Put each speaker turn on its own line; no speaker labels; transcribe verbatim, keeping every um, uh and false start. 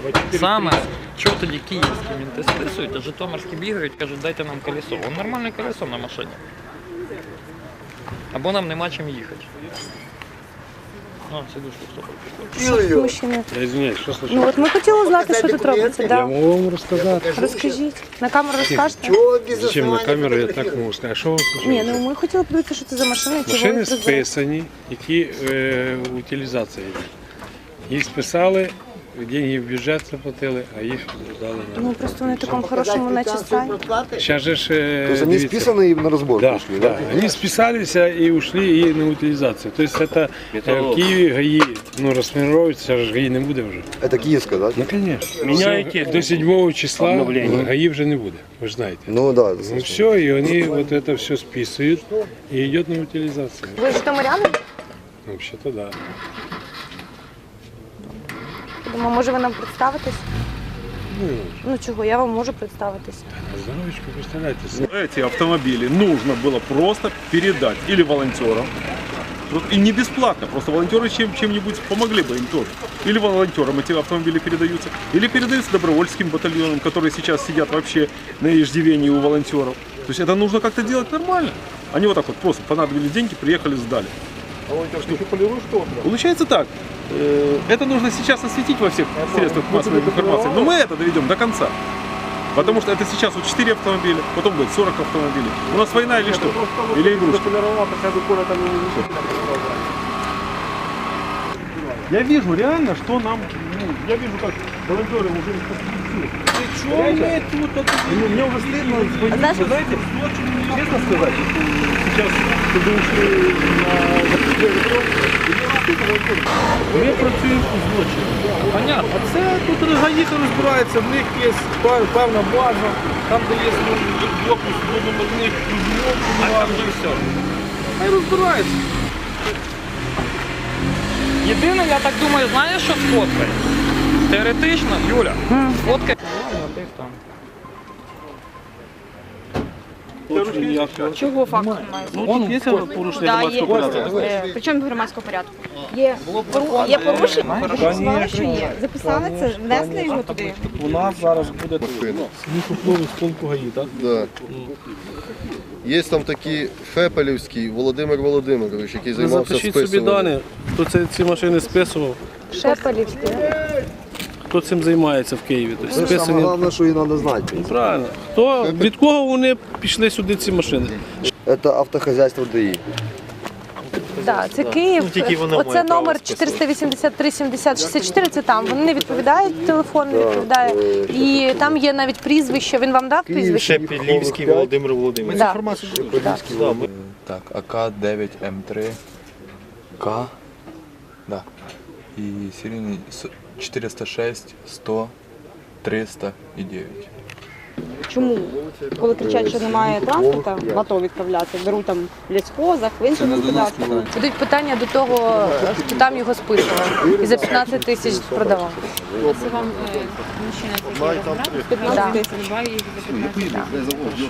Саме, чого тоді київські мінти списують, а житомирські бігають, кажуть, дайте нам колесо. Вон нормальне колесо на машині. Або нам нема чим їхати. А, сидушку, стоп.
Мужчини.
Я извиняюсь, що случилось?
Ну от ми хотіли знати, що тут робиться.
Я
Да.
можу вам розказати.
Розкажіть. На камеру розкажете?
Зачем на камеру, я так можу сказати. А що вам
Ні,
случилось?
ну ми хотіли подивитися, що це за машини. чого
Машини
їх розвели.
списані, які е, утилізація йде. Їх списали, деньги в бюджет заплатили, а їх дали на...
Ну просто вони в такому хорошому наче стані.
Сейчас же ж, э,
То есть они
дивіться.
списаны и на разбор
Да,
пришли,
да. Они списались и ушли и на утилизацию. То есть это э, в Киеве ГАИ ну, расформируется, же ГАИ не буде вже.
Это киевская, да?
Ну, конечно.
Меняете
Все, до седьмого числа
обновление.
ГАИ вже не буде, ви ж знаєте.
Ну да.
Ну все, и они вот это все списывают и идет на утилизацию.
Ви житомиряни?
Ну, вообще-то да.
Думаю, може ви нам представитесь?
Ну,
Ну чого, я вам можу представитись.
на здоровечку, представляете себе.
Эти автомобили нужно было просто передать или волонтерам, и не бесплатно, просто волонтеры чем, чем-нибудь помогли бы им тоже. Или волонтерам эти автомобили передаются, или передаются добровольческим батальонам, которые сейчас сидят вообще на иждивении у волонтеров. То есть это нужно как-то делать нормально. Они вот так вот просто понадобились деньги, приехали, сдали. Получается так. э, Это нужно сейчас осветить во всех средствах массовой информации. Но мы это доведем до конца. Потому что это сейчас вот четыре автомобиля, потом будет сорок автомобилей. У нас война или что? Или игрушка? Я вижу реально, что нам... ну, я вижу, как волонтеры уже инфраструктуры. Причем мы тут... Ну, мне уже стыдно звонить.
знаешь,
Вы знаете, честно сказать, сейчас, когда ушли на закрытие метро, ми працюємо у злочині.
Понятно.
А це тут гаїха розбирається, в них є певна база, там де є блокус водомерних розмов,
А там же все.
хай розбирається.
Єдине, я так думаю, знаєш, що сфоткає? Теоретично, Юля, сфоткає.
Чого факт немає?
Ну, є порушення
Да, є.
громадського порядку?
Е, Причому громадського порядку? Є, пору- є порушення? Ви сказали, що є. Записали це, внесли його туди.
У нас зараз буде сміхопливий з полку ГАІ, так?
Да. Є там такий Фепелівський Володимир Володимирович, який займався
Запишіть собі
списуванням.
дані, хто це, ці машини списував,
Шепелівський.
хто цим займається в Києві. Тобто
Саме
списані.
головне, що її треба знати.
Правильно. Хто, від кого вони пішли сюди ці машини?
Це автохозяйство ДАІ.
Да, це Київ. Оце номер чотириста вісімдесят три сімдесят шістдесят чотири, це там. Вони не відповідають, телефон не відповідає. І там є навіть прізвище. Він вам дав прізвище?
Шепелівський Володимир
Володимирович.
Да.
Так, А К дев'ять М три К, да, і серійний с- чотириста шість, сто, триста і дев'ять.
Чому? Коли кричать, що немає транспорту, готові відправляти, беруть там в лісхозах, в інших господарствах.
Будуть питання до того, хто там його списував. І за п'ятнадцять тисяч продавав.
Якщо вам мужчина такий розбирає, п'ятнадцять тисяч, два їх за п'ятнадцять.